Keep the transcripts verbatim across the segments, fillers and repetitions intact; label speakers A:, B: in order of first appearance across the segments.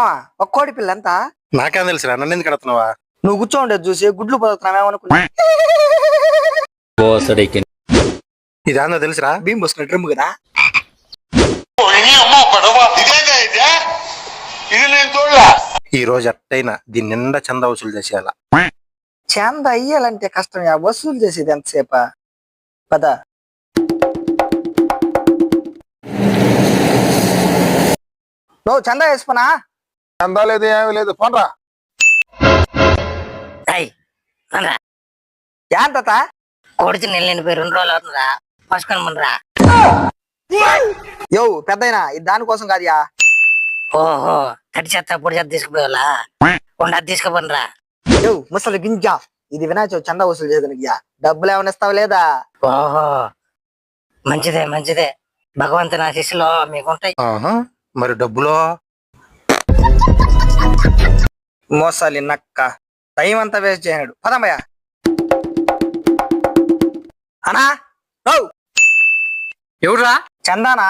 A: మావా ఒక కోడి పిల్ల ఎంత?
B: నాకేం తెలుసురా, నన్ను ఎందుకు కడుతున్నావా?
A: నువ్వు కూర్చోండి చూసి గుడ్లు పొదుగుతున్నావేమనుకున్నా.
B: ఇదేందో తెలుసురా?
A: భీమ్ పోసుకున్న డ్రమ్ కదా.
B: ఈ రోజు అట్టయినా దీని నిండా చందా వసూలు చేసేయాల.
A: చంద అయ్యాలంటే కష్టం, వసూలు చేసేది ఎంతసేపా? పద. నువ్వు చందా వేసుకున్నా?
B: చందా లేదు, ఏమీ లేదు, పోన్రా.
A: యాంత
C: కొడుచు నెల పోయి రెండు రోజులు అవుతుందా? పసుకొనరా.
A: యో పెద్దయినా ఇది దానికోసం కాదుయా.
C: ఓహో తడి చెత్త పొడి చెత్త తీసుకుపోయేలా ఉండ తీసుకుపోనరా.
A: యో ముసలి గింజ, ఇది వినాయక చందా వసూలు చేయడానికి డబ్బులు ఏమైనా ఇస్తావా లేదా?
C: ఓహో మంచిదే మంచిదే, భగవంతుని ఆశీస్సులో మీకుంటాయి.
B: మరి డబ్బులో?
A: మోసాలి నక్క, టైం అంతా వేస్ట్ చేయనాడు. పదమ్మయ్య. అనా
D: ఎవరురా?
A: చందానా?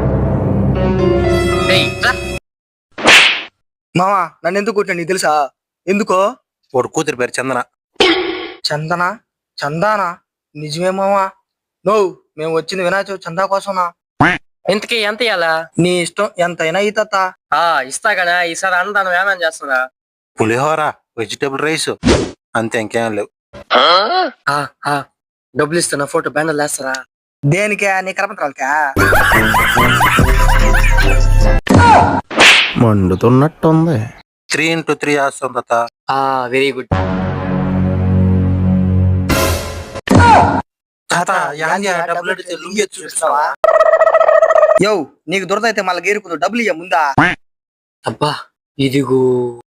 A: మామా నన్ను ఎందుకు కొట్టాడు నీకు తెలుసా? ఎందుకో?
B: వాడు కూతురు పేరు చందన.
A: చందనా? చందానా? నిజమే మామా. నో, మేము వచ్చింది వినాయక చందా కోసంనా.
D: ఇంతకీ ఎంత ఇయ్యాలా?
A: నీ ఇష్టం, ఎంతైనా ఈ తాత.
D: ఆ ఇస్తా కదా, ఈసారి అన్నదానం ఏమేం చేస్తున్నా?
B: పులిహోర, వెజిటేబుల్ రైస్, అంతే, ఇంకేం లేవు.
D: డబ్బులు ఇస్తున్నా, ఫోటో బ్యానర్ వేస్తారా?
A: దేనికే? నీ కరపత్రాలకా?
B: మండుతున్నట్టుంది. త్రీ ఇంటూ త్రీ చేస్తాం తాత.
D: వెరీ గుడ్
B: తాత. డబ్బులు అడిగితే లుంగి ఎత్తి చూపిస్తావా?
A: యో నీకు దొరదైతే మళ్ళీ గేరుకుందు, డబ్బులు ఇయ్య ముందా.
D: అబ్బా ఇదిగో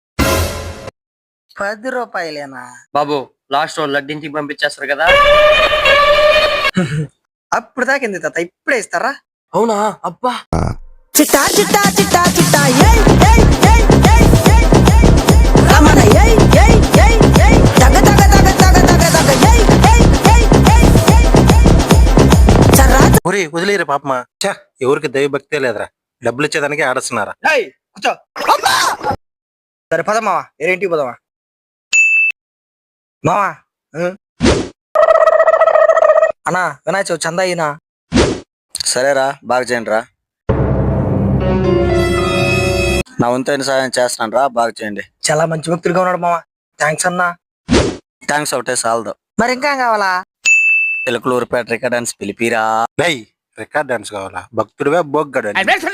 A: పది రూపాయలేనా
D: బాబు? లాస్ట్ రోజు లడ్డింటికి పంపించేస్తారు కదా.
A: అప్పుడు దాకింది తాత, ఇప్పుడే ఇస్తారా?
D: అవునా? అబ్బా
E: చిట్టా చిట్టా చిట్టా చిట్టా ఏయ్ ఏయ్ ఏయ్ ఏయ్ ఏయ్ ఏయ్ రమణ ఏయ్ ఏయ్ ఏయ్ ఏయ్ తగ తగ తగ తగ తగ తగ ఏయ్ ఏయ్ ఏయ్ ఏయ్ ఏయ్ సర్రా.
B: ఒరే వదిలేరు పాపమా. చా, ఎవరికి దైవభక్తే లేదురా, డబ్బులు ఇచ్చేదానికి ఆడస్తున్నారా?
A: ఏయ్ కూర్చో. సరే పద మావా, ఏరేంటికి పోదామా మావా. అన్నా వినాయక చవితి చందా అయినా?
F: సరేరా, బాగా చేయండి రా. నా వంతైన సాయం చేస్తున్నాను రా, బాగా చేయండి.
A: చాలా మంచి వ్యక్తులుగా ఉన్నాడు మావా. థ్యాంక్స్ అన్నా.
F: థ్యాంక్స్ ఒకటే సాలదు,
A: మరి ఇంకా కావాలా?
F: చిలకలూరుపేట రికార్డెన్స్ పిలిపిరా.
B: లై రికార్డ్ డాన్స్ కావాలా? భక్తుడివే బొగ్గడు.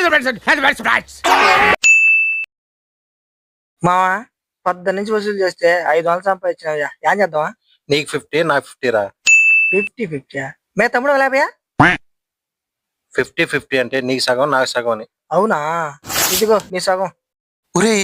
A: మావా పద్ద నుంచి వసూలు చేస్తే ఐదు వందలు సంపాదించినయ్యా, ఏం చేద్దామా?
B: నీకు ఫిఫ్టీ, నాకు ఫిఫ్టీ రా.
A: ఫిఫ్టీ ఫిఫ్టీ మే తమ్ముడు లేపయా?
B: ఫిఫ్టీ ఫిఫ్టీ అంటే నీకు సగం, నాకు సగం అని.
A: అవునా? ఇదిగో నీ సగం.
B: ఒరే